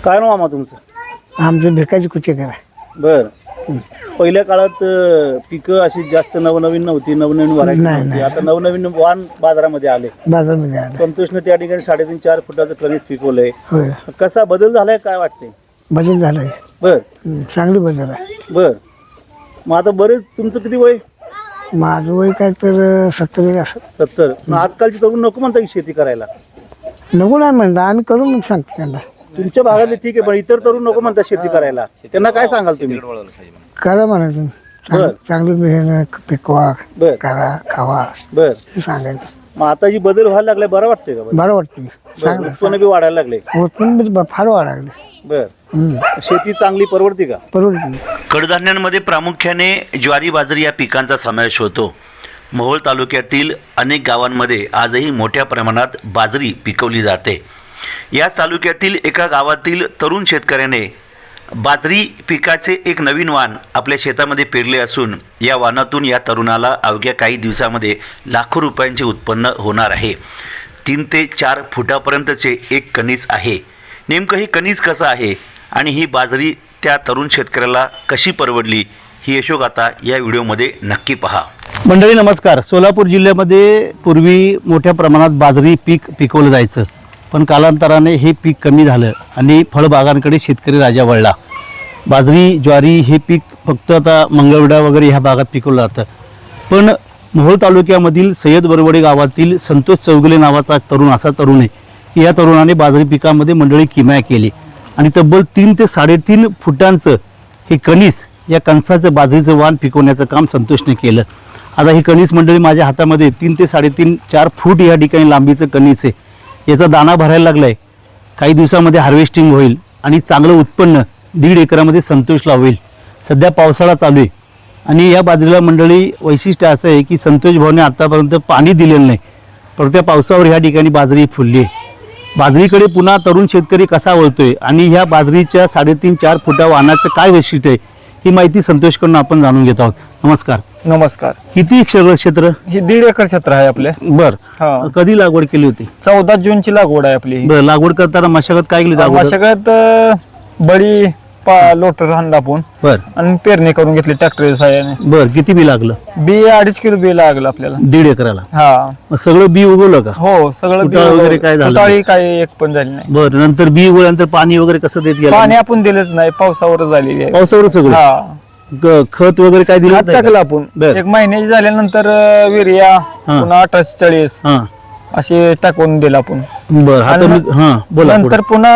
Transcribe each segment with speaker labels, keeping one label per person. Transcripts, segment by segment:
Speaker 1: काय नाव मामा तुमचं?
Speaker 2: आमचं भिकाजी कुचे करा.
Speaker 1: बर. पहिल्या काळात पिकं अशी जास्त नवनवीन नव्हती, नवनवीन व्हरायटी
Speaker 2: नाही,
Speaker 1: नव्हती. आता नवनवीन वाण बाजारामध्ये आले.
Speaker 2: बाजारमध्ये आलं.
Speaker 1: संतोषने त्या ठिकाणी 3.5-4 फुटाचं कणीस पिकवलंय.
Speaker 2: होय,
Speaker 1: कसा बदल झालाय काय वाटतंय?
Speaker 2: बदल झालाय.
Speaker 1: बर
Speaker 2: चांगली बदल आहे.
Speaker 1: बर. मग आता बरेच तुमचं किती वय?
Speaker 2: माझं वय काय तर 70 असं.
Speaker 1: 70. मग आजकालची तरुण नको म्हणता की शेती करायला.
Speaker 2: नको नाही म्हणलं आम्ही करू मग सांगतो त्यांना.
Speaker 1: तुमच्या भागातले ठीक आहे, पण इतर तरुण नको म्हणतात शेती करायला. त्यांना काय सांगाल तुम्ही?
Speaker 2: करा म्हणायचं. चांगली मेहनत पिकवा,
Speaker 1: बर
Speaker 2: करा, खावा
Speaker 1: बर.
Speaker 2: हे सांगायचं.
Speaker 1: मग आता जी बदल व्हायला लागलाय बरं वाटतंय का?
Speaker 2: बरं वाटतं.
Speaker 1: बरं. उत्पन्न बी वाढायला लागले.
Speaker 2: उत्पन्न फार वाढायला
Speaker 1: बर. शेती चांगली परवडते का?
Speaker 2: परवडते.
Speaker 3: कडधान्यांमध्ये प्रामुख्याने ज्वारी बाजरी या पिकांचा समावेश होतो. मोहोळ तालुक्यातील अनेक गावांमध्ये आजही मोठ्या प्रमाणात बाजरी पिकवली जाते. या तालुक्यातील एका गावातील तरुण शेतकऱ्याने बाजरी पिकाचे एक नवीन वाण आपल्या शेतामध्ये पेरले असून या वाणातून या तरुणाला अवघ्या काही दिवसामध्ये लाखो रुपयांचे उत्पन्न होणार आहे. 3 ते 4 फुटापर्यंतचे एक कणीस आहे. नेमकं हे कणीस कसं आहे आणि ही बाजरी त्या तरुण शेतकऱ्याला कशी परवडली ही यशोगाथा या व्हिडिओमध्ये नक्की पहा.
Speaker 1: मंडळी नमस्कार. सोलापूर जिल्ह्यामध्ये पूर्वी मोठ्या प्रमाणात बाजरी पीक पिकवलं जायचं, पण कालांतराने हे पीक कमी झालं आणि फळबागांकडे शेतकरी राजा वळला. बाजरी ज्वारी हे पीक फक्त आता मंगळवेढा वगैरे ह्या भागात पिकवलं जातं. पण मोहोळ तालुक्यामधील सय्यद बरवडे गावातील संतोष चौगुले नावाचा तरुण आहे की या तरुणाने बाजरी पिकामध्ये मंडळी किमया केली आणि तब्बल 3 ते 3.5 फुटांचं हे कणीस या कणसाचं बाजरीचं वाण पिकवण्याचं काम संतोषने केलं. आता ही कणीस मंडळी माझ्या हातामध्ये 3 ते 3.5-4 फूट या ठिकाणी लांबीचं कणीस आहे. याचा दाणा भरायला लागलाय. काही दिवसामध्ये हार्वेस्टिंग होईल आणि चांगलं उत्पन्न 1.5 एकरामध्ये संतोषला होईल. सध्या पावसाळा चालू आहे आणि या बाजरीला मंडळी वैशिष्ट्य असं आहे की संतोष भाऊने आतापर्यंत पाणी दिलेलं नाही, पण त्या पावसावर ह्या ठिकाणी बाजरी फुलली आहे. बाजरीकडे पुन्हा तरुण शेतकरी कसा वळतोय आणि ह्या बाजरीच्या 3.5-4 फुटा वाणाचं काय वैशिष्ट्य आहे ही माहिती संतोषकडून आपण जाणून घेत आहोत. नमस्कार.
Speaker 4: नमस्कार.
Speaker 1: किती क्षेत्र?
Speaker 4: हे 1.5 एकर क्षेत्र आहे आपले.
Speaker 1: बर.
Speaker 4: हा.
Speaker 1: कधी लागवड केली होती?
Speaker 4: 14 जूनची लागवड आहे आपली.
Speaker 1: बर. लागवड करताना मशागत काय केली?
Speaker 4: मशागत बळी लोटर आणला आपण
Speaker 1: बर
Speaker 4: आणि पेरणी करून घेतली ट्रॅक्टर साह्याने.
Speaker 1: बर. किती बी लागलं?
Speaker 4: बी 2.5 किलो बी लागलं आपल्याला
Speaker 1: 1.5 एकराला.
Speaker 4: हा.
Speaker 1: मग सगळं बी उगवलं का?
Speaker 4: हो सगळं बी
Speaker 1: फुटाळी वगैरे काय झालं?
Speaker 4: फुटाळी काही एक पण झाली नाही.
Speaker 1: बर. नंतर बी उगवल्यानंतर पाणी वगैरे कसं देत गेलं?
Speaker 4: पाणी आपण दिलंच नाही, पावसावर झालेली आहे.
Speaker 1: पावसावर सगळं?
Speaker 4: हा.
Speaker 1: खत वगैरे काय दिलं?
Speaker 4: खत टाकलं आपण.
Speaker 1: बर.
Speaker 4: 1 महिन्याची झाल्यानंतर युरिया पुन्हा 1840
Speaker 1: हा.
Speaker 4: असे टाकून दिलं आपण.
Speaker 1: बर. आता मी हा बोला.
Speaker 4: नंतर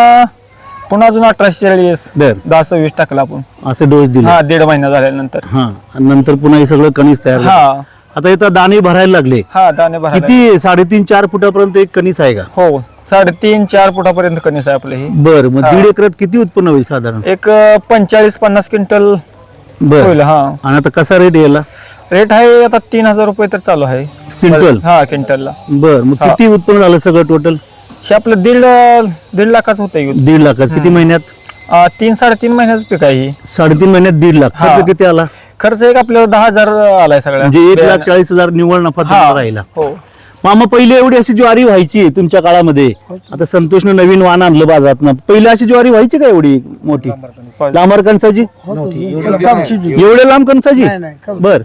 Speaker 4: पुन्हा अजून 1840
Speaker 1: बर.
Speaker 4: 10-26 टाकलं आपण.
Speaker 1: असे डोस दिले?
Speaker 4: हा 1.5 महिना झाल्यानंतर.
Speaker 1: हा. आणि नंतर पुन्हा हे सगळं कणीस तयार झालं.
Speaker 4: हा
Speaker 1: आता इथं दाणे भरायला लागले.
Speaker 4: हा दाणे भरायला.
Speaker 1: किती? 3.5-4 फुटापर्यंत एक कणीस आहे का?
Speaker 4: हो 3.5-4 फुटापर्यंत कणीस आहे आपलं हे.
Speaker 1: बर. मग 1.5 एकरात किती उत्पन्न होईल साधारण?
Speaker 4: एक 45-50 क्विंटल
Speaker 1: बर.
Speaker 4: होईल. हा.
Speaker 1: आणि आता कसा रेट यायला?
Speaker 4: रेट आहे आता 3000 रुपये तर चालू आहे
Speaker 1: क्विंटल?
Speaker 4: हा क्विंटलला.
Speaker 1: बर. मग किती उत्पन्न झालं सगळं टोटल?
Speaker 4: हे आपलं 1.5 लाखाचं होतं.
Speaker 1: 1.5 लाखात किती महिन्यात?
Speaker 4: 3-3.5 महिन्याचं पीक आहे हे.
Speaker 1: 3.5 महिन्यात 1.5 लाख.
Speaker 4: हा.
Speaker 1: खर्च किती आला?
Speaker 4: खर्च एक आपल्याला 10,000 आलाय सगळ्या.
Speaker 1: म्हणजे 1,40,000 निव्वळ नफा तुम्हाला राहिला.
Speaker 4: हो.
Speaker 1: मामा पहिले एवढी अशी ज्वारी व्हायची तुमच्या काळामध्ये? आता संतोषने नवीन वाण आणलं बाजारात. पहिले अशी ज्वारी व्हायची का एवढी मोठी लांबर कणसाची? एवढे लांब कणसाची? बर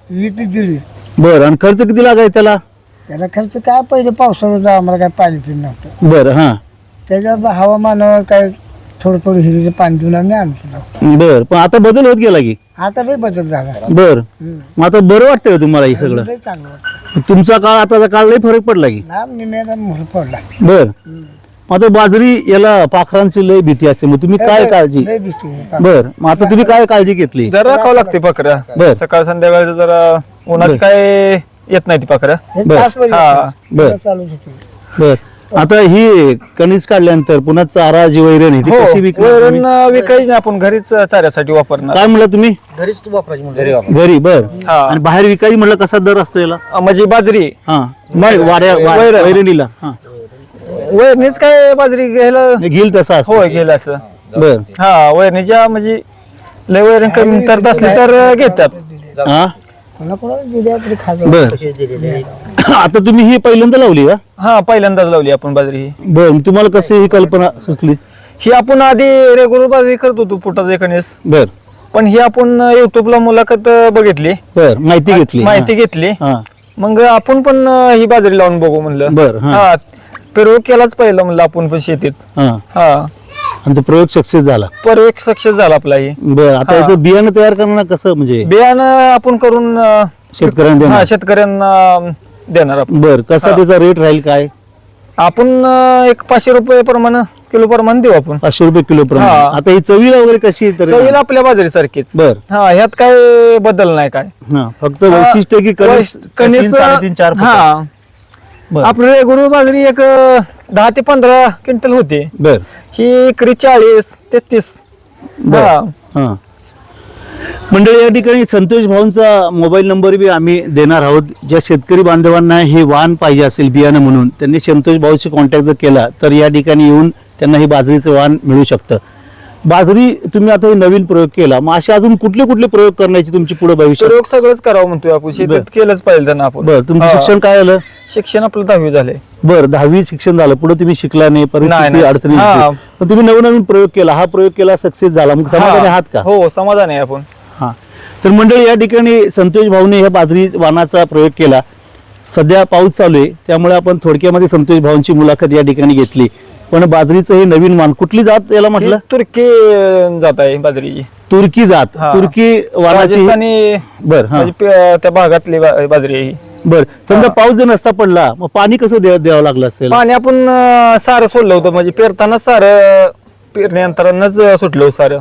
Speaker 1: बर. आणि खर्च किती लागाय त्याला?
Speaker 2: त्याला खर्च काय पहिले पावसाळ्यात आम्हाला काय पाणी पिणं नव्हतं.
Speaker 1: बर. हा.
Speaker 2: त्याच्यावर हवामानावर काय थोडं हिरीचं पाणी देऊन आम्ही आणतो.
Speaker 1: बर. पण आता बदल होत गेला की?
Speaker 2: आता लई बदल झाला.
Speaker 1: बर. मग आता बरं वाटतंय का तुम्हाला हे सगळं?
Speaker 2: लई चांगलं वाटतं.
Speaker 1: तुमचा काळ आताचा काळ लई फरक पडला की?
Speaker 2: लांब निम्याला मोहर पडला.
Speaker 1: बर. मग आता बाजरी याला पाखरांची लय भीती असते, मग तुम्ही काय काळजी?
Speaker 2: लई भीती आहे.
Speaker 1: बर. मग आता तुम्ही काय काळजी घेतली?
Speaker 4: जरा राखावं लागते पाखऱ्या.
Speaker 1: बर.
Speaker 4: सकाळ संध्याकाळचं जरा उन्हाच काय येत नाही ती पाखऱ्या.
Speaker 2: एक
Speaker 1: बर.
Speaker 2: तासभर
Speaker 4: हा.
Speaker 2: येतं.
Speaker 1: बर.
Speaker 2: चालूच होतं.
Speaker 1: बर. आता ही कणीस काढल्यानंतर पुन्हा चारा जी वैरण आहे ती
Speaker 4: हो
Speaker 1: कशी विकणार तुम्ही?
Speaker 4: वैरण विकायची नाही, आपण घरीच चाऱ्यासाठी वापरणार.
Speaker 1: काय म्हणलं तुम्ही?
Speaker 2: घरीच तू वापरायची
Speaker 1: घरी. बर.
Speaker 4: हा.
Speaker 1: आणि बाहेर विकायची म्हणलं कसा दर असतो याला?
Speaker 4: म्हणजे बाजरी
Speaker 1: हा.
Speaker 4: वैरण.
Speaker 1: वैरणीला? हा.
Speaker 4: वैरणीच काय बाजरी घ्यायला
Speaker 1: घेईल तसा असतो?
Speaker 4: होय गेलं असं.
Speaker 1: बर.
Speaker 4: हा वैरणीच्या म्हणजे लय वैरण कमी करत असली तर घेतात.
Speaker 1: हा.
Speaker 2: कोणाकोणाला दिल्या तरी खाजो.
Speaker 1: बर. आता तुम्ही ही पहिल्यांदा लावली का?
Speaker 4: हा पहिल्यांदाच लावली आपण बाजरी ही.
Speaker 1: बर. तुम्हाला कशी ही कल्पना सुचली?
Speaker 4: ही आपण आधी रेग्युलर बाजरी करत होतो फुटाचे कणीस,
Speaker 1: बर
Speaker 4: पण ही आपण युट्यूबला मुलाखत बघितली,
Speaker 1: बर माहिती घेतली.
Speaker 4: माहिती घेतली.
Speaker 1: हा
Speaker 4: मग आपण पण ही बाजरी लावून बघू म्हणलं.
Speaker 1: बर, हा.
Speaker 4: हा प्रयोग केलाच पाहिलं म्हणलं आपण पण शेतीत.
Speaker 1: हा
Speaker 4: हा
Speaker 1: आणि तो प्रयोग सक्सेस झाला.
Speaker 4: प्रयोग सक्सेस झाला आपला ही.
Speaker 1: बर आता
Speaker 4: हा.
Speaker 1: याचं बियाणं तयार करणं कसं म्हणजे
Speaker 4: बियाणं आपण करून
Speaker 1: शेतकऱ्यांना देणार?
Speaker 4: शेतकऱ्यांना देणार आपण.
Speaker 1: बर कसा
Speaker 4: हा.
Speaker 1: त्याचा रेट राहील काय?
Speaker 4: आपण एक 500 रुपये प्रमाणे किलो प्रमाणे देऊ आपण.
Speaker 1: 500 रुपये किलो प्रमाणे.
Speaker 4: हा.
Speaker 1: आता ही चवीला वगैरे कशी आहे तरी?
Speaker 4: चवीला आपल्या बाजरी सारखीच.
Speaker 1: बर
Speaker 4: हा ह्यात काय बदल नाही काय.
Speaker 1: हा फक्त वैशिष्ट्य की कणीस
Speaker 4: कणीस
Speaker 1: 3-4 फुट.
Speaker 4: हा
Speaker 1: बर
Speaker 4: आपलं रेग्युलर बाजरी एक 10 ते 15 क्विंटल होते.
Speaker 1: बर
Speaker 4: ही एकरी 40-33.
Speaker 1: बर.
Speaker 4: हा
Speaker 1: हा मंडळी या ठिकाणी संतोष भाऊंचा मोबाईल नंबर बी आम्ही देणार आहोत. ज्या शेतकरी बांधवांना हे वाण पाहिजे असेल बियाणं म्हणून त्यांनी संतोष भाऊशी कॉन्टॅक्ट जर केला तर या ठिकाणी येऊन त्यांना हे बाजरीचं वाण मिळू शकतं. बाजरी तुम्ही आता हे नवीन प्रयोग केला, मग असे अजून कुठले कुठले प्रयोग करण्याची तुमची पुढे भविष्य?
Speaker 4: प्रयोग सगळंच करावं म्हणतोय आपण,
Speaker 1: बर.
Speaker 4: शेतीत केलंच पाहिजे त्यांना आपण.
Speaker 1: बर तुमचं
Speaker 4: हा.
Speaker 1: शिक्षण काय झालं?
Speaker 4: शिक्षण आपलं 10वी झाले.
Speaker 1: बर 10वी शिक्षण झालं, पुढे तुम्ही शिकला नाही, परिस्थिती
Speaker 4: नाही.
Speaker 1: अडचणी
Speaker 4: हा.
Speaker 1: होती. पण तुम्ही नवनवीन प्रयोग केला, हा प्रयोग केला सक्सेस झाला, मग समाधानी आहात का?
Speaker 4: हो समाधान आहे आपण.
Speaker 1: हा तर मंडळी या ठिकाणी संतोष भाऊने ह्या बाजरी वाणाचा प्रयोग केला. सध्या पाऊस चालू आहे त्यामुळे आपण थोडक्यामध्ये संतोष भाऊंची मुलाखत या ठिकाणी घेतली. पण बाजरीचं हे नवीन वाण कुठली जात याला म्हटलं?
Speaker 4: ही तुर्की जात आहे बाजरीची.
Speaker 1: तुर्की जात.
Speaker 4: हा.
Speaker 1: तुर्की वाणाची.
Speaker 4: राजस्थानी
Speaker 1: बर हा
Speaker 4: म्हणजे त्या भागातली बाजरी आहे ही.
Speaker 1: बर समजा
Speaker 4: हा.
Speaker 1: पाऊस जर नसता पडला मग पाणी कसं द्यावं लागलं असेल?
Speaker 4: पाणी आपण सारं सोडलं होतं, म्हणजे पेरताना सारं पेरण्यानंतरच सुटलं सारं.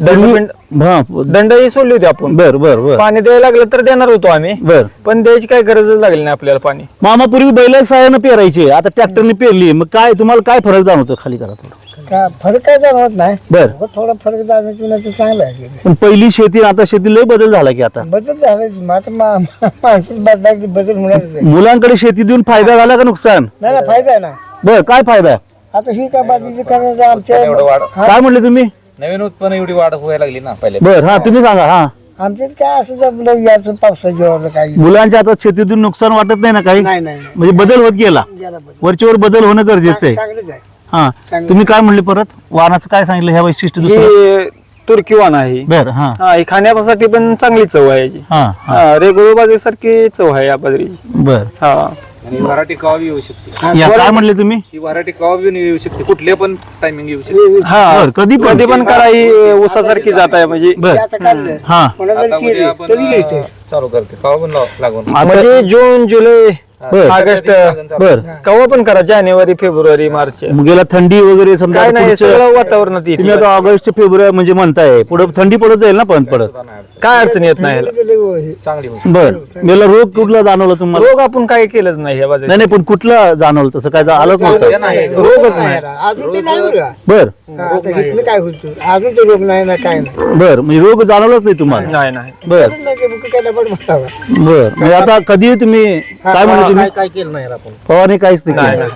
Speaker 1: हा
Speaker 4: दंडही सोडली होती आपण.
Speaker 1: बर बर बर
Speaker 4: पाणी द्यायला लागलं तर देणार होतो आम्ही,
Speaker 1: बर
Speaker 4: पण द्यायची काही गरजच लागली नाही आपल्याला पाणी.
Speaker 1: मामा पूर्वी बैला सहाय्यानं पेरायचे, आता ट्रॅक्टरने पेरली, मग काय तुम्हाला काय फरक जाणवतो? खाली करा थोडं.
Speaker 2: का फरक काय जाणवत नाही.
Speaker 1: बर
Speaker 2: हो, थोडा फरक जाणवतो तर चांगला आहे.
Speaker 1: पण पहिली शेती आता शेती लय बदल झाला की आता
Speaker 2: बदल झाला मग आता माणसाची बदलायची बदल होणारच आहे.
Speaker 1: मुलांकडे शेती देऊन फायदा झाला का नुकसान?
Speaker 2: नाही ना फायदा आहे ना.
Speaker 1: बर काय फायदा आहे?
Speaker 2: आता ही काय बाजूची करायचं आमच्या हा,
Speaker 1: काय म्हणले तुम्ही?
Speaker 5: नवीन उत्पन्न एवढी वाढ व्हायला लागली ना पहिले.
Speaker 1: बर हा तुम्ही सांगा. हा
Speaker 2: आमच्यात काय असं आपलं याचं पावसाच्या वरलं काही
Speaker 1: मुलांच्या आता शेतीतून नुकसान वाटत नाही ना काही?
Speaker 2: नाही नाही
Speaker 1: म्हणजे बदल होत गेला,
Speaker 2: गेला बदल.
Speaker 1: वरच्यावर बदल होणं गरजेचं आहे.
Speaker 2: चांगलंच आहे.
Speaker 1: हा तुम्ही काय म्हणले परत? वाहनाचं काय सांगितलं ह्या वैशिष्ट्य दुसरं?
Speaker 4: ही तुर्की वाण आहे.
Speaker 1: बर हा
Speaker 4: हा ही खाण्यासाठी पण चांगली चव आहे याची.
Speaker 1: हा हा
Speaker 4: रेग्युलर बाजरी सारखी चव आहे या बाजरीची.
Speaker 1: बर
Speaker 4: हा
Speaker 5: आणि व्हरायटी कवा बी येऊ शकते.
Speaker 1: या काय म्हणले तुम्ही?
Speaker 5: ही व्हरायटी कवा बी येऊ शकते, कुठले पण टायमिंग येऊ शकते.
Speaker 4: हा
Speaker 1: बर, कधी पण?
Speaker 4: कधी पण करा, ही ऊसासारखी जात आहे म्हणजे.
Speaker 1: बर
Speaker 2: ते आता काढलं
Speaker 1: हा
Speaker 2: कोणा जर
Speaker 5: आता उद्या
Speaker 2: केलं
Speaker 5: आपण
Speaker 2: तरी मिळते.
Speaker 5: चालू करते कवा पण लागून.
Speaker 1: आता
Speaker 4: म्हणजे जून जुलै
Speaker 1: बर
Speaker 4: ऑगस्ट
Speaker 1: बर
Speaker 4: केव्हा पण करा, जानेवारी फेब्रुवारी मार्च.
Speaker 1: मग गेला थंडी वगैरे समजा
Speaker 4: काय नाही
Speaker 1: पुढचं-
Speaker 4: सगळं वातावरणात येते.
Speaker 1: तुम्ही आता ऑगस्ट फेब्रुवारी म्हणजे म्हणताय पुढे थंडी पडत जाईल ना पण पडत.
Speaker 4: काय अडचण येत नाही ह्याला.
Speaker 5: चांगली होऊ शकते.
Speaker 1: बर गेला रोग कुठला जाणवला तुम्हाला?
Speaker 4: रोग आपण काय केलंच नाही ह्या बाजूला.
Speaker 1: नाही नाही पण कुठला जाणवलं तसं काय आलंच नव्हतं?
Speaker 5: नाही.
Speaker 4: रोगच नाही.
Speaker 2: अजून ते नाही बरं का.
Speaker 1: बर
Speaker 2: हा, आता इथलं काय होतं अजून ते रोग नाही ना काय नाही.
Speaker 1: बर म्हणजे रोग जाणवलाच नाही तुम्हाला?
Speaker 4: नाही नाही
Speaker 1: बर
Speaker 2: नाही ते बुक केलं पण म्हणावं.
Speaker 1: बर म्हणजे आता कधी तुम्ही काय म्हणले तुम्ही?
Speaker 5: काय केलं नाही आपण.
Speaker 1: फवारणी काहीच नाही केलं.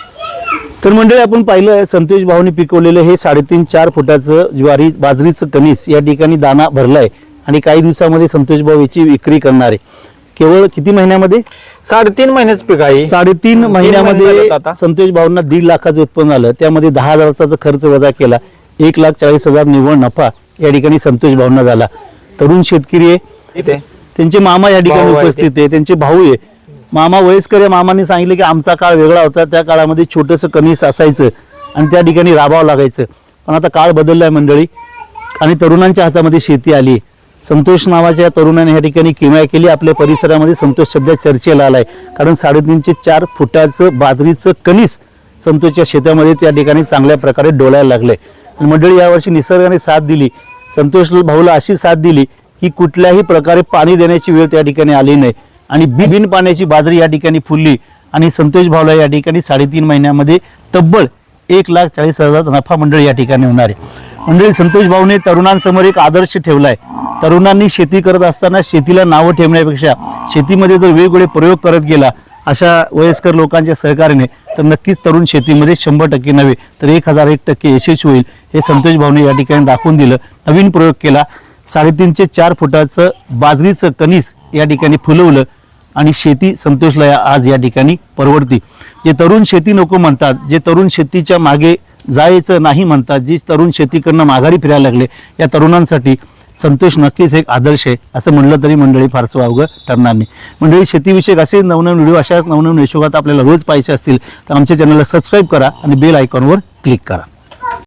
Speaker 1: तर मंडळी आपण पाहिलं संतोष भाऊनी पिकवलेलं हे 3.5-4 फुटाचं ज्वारी बाजरीचं कणीस या ठिकाणी दाना भरलाय आणि काही दिवसामध्ये संतोष भाऊ याची विक्री करणार आहे. केवळ किती महिन्यामध्ये?
Speaker 4: 3.5 महिन्याच पीक आहे.
Speaker 1: 3.5 महिन्यामध्ये
Speaker 4: महिने झालेत आता.
Speaker 1: संतोष भाऊंना 1.5 लाखाचं उत्पन्न आलं. त्यामध्ये 10,000चा खर्च वजा केला, 1,40,000 निव्वळ नफा या ठिकाणी संतोष भाऊंना झाला. तरुण शेतकरी आहे,
Speaker 4: इथे
Speaker 1: त्यांचे मामा या ठिकाणी
Speaker 4: भाऊ आहे
Speaker 1: उपस्थित आहे, त्यांचे भाऊ आहे. मामा वयस्कर आहे. मामाने सांगितलं की आमचा काळ वेगळा होता, त्या काळामध्ये छोटंसं कणीस असायचं आणि त्या ठिकाणी राबावं लागायचं. पण आता काळ बदललाय मंडळी आणि तरुणांच्या हातामध्ये शेती आली. संतोष नावाच्या या तरुणाने या ठिकाणी किमया केली. आपल्या परिसरामध्ये संतोष सध्या चर्चेला आलाय, कारण 3.5-4 फुटाचं बाजरीचं कणीस संतोषच्या शेतामध्ये त्या ठिकाणी चांगल्या प्रकारे डोलायला लागलंय. आणि मंडळी यावर्षी निसर्गाने साथ दिली, संतोष भाऊला अशी साथ दिली की कुठल्याही प्रकारे पाणी देण्याची वेळ त्या ठिकाणी आली नाही आणि बिन पाण्याची बाजरी या ठिकाणी फुलली आणि संतोष भाऊला या ठिकाणी 3.5 महिन्यामध्ये तब्बल 1,40,000 नफा मंडळी या ठिकाणी होणार आहे. मंडळी संतोष भाऊने तरुणांसमोर एक आदर्श ठेवलाय. तरुणांनी शेती करत असताना शेतीला नावं ठेवण्यापेक्षा शेतीमध्ये जर वेगवेगळे प्रयोग करत गेला अशा वयस्कर लोकांच्या सहकार्याने तर नक्कीच तरुण शेतीमध्ये 100% नव्हे तर 1001% यशस्वी होईल हे संतोष भाऊने या ठिकाणी दाखवून दिलं. नवीन प्रयोग केला, 3.5-4 फुटाचं बाजरीचं कणीस या ठिकाणी फुलवलं आणि शेती संतोषला आज या ठिकाणी परवडती. जे तरुण शेती नको म्हणतात, जे तरुण शेतीच्या मागे जायचं नाही म्हणतात, जी तरुण शेती करणं माघारी फिरायला लागले, या तरुणांसाठी संतोष नक्कीच एक आदर्श आहे असं म्हणलं तरी मंडळी फारसं वावगं ठरणार नाही. मंडळी शेतीविषयक असे नवनवीन व्हिडिओ अशाच नवनवीन यशोगात आपल्याला रोज पाहिजे असतील तर आमच्या चॅनलला सबस्क्राईब करा आणि बेल आयकॉनवर क्लिक करा.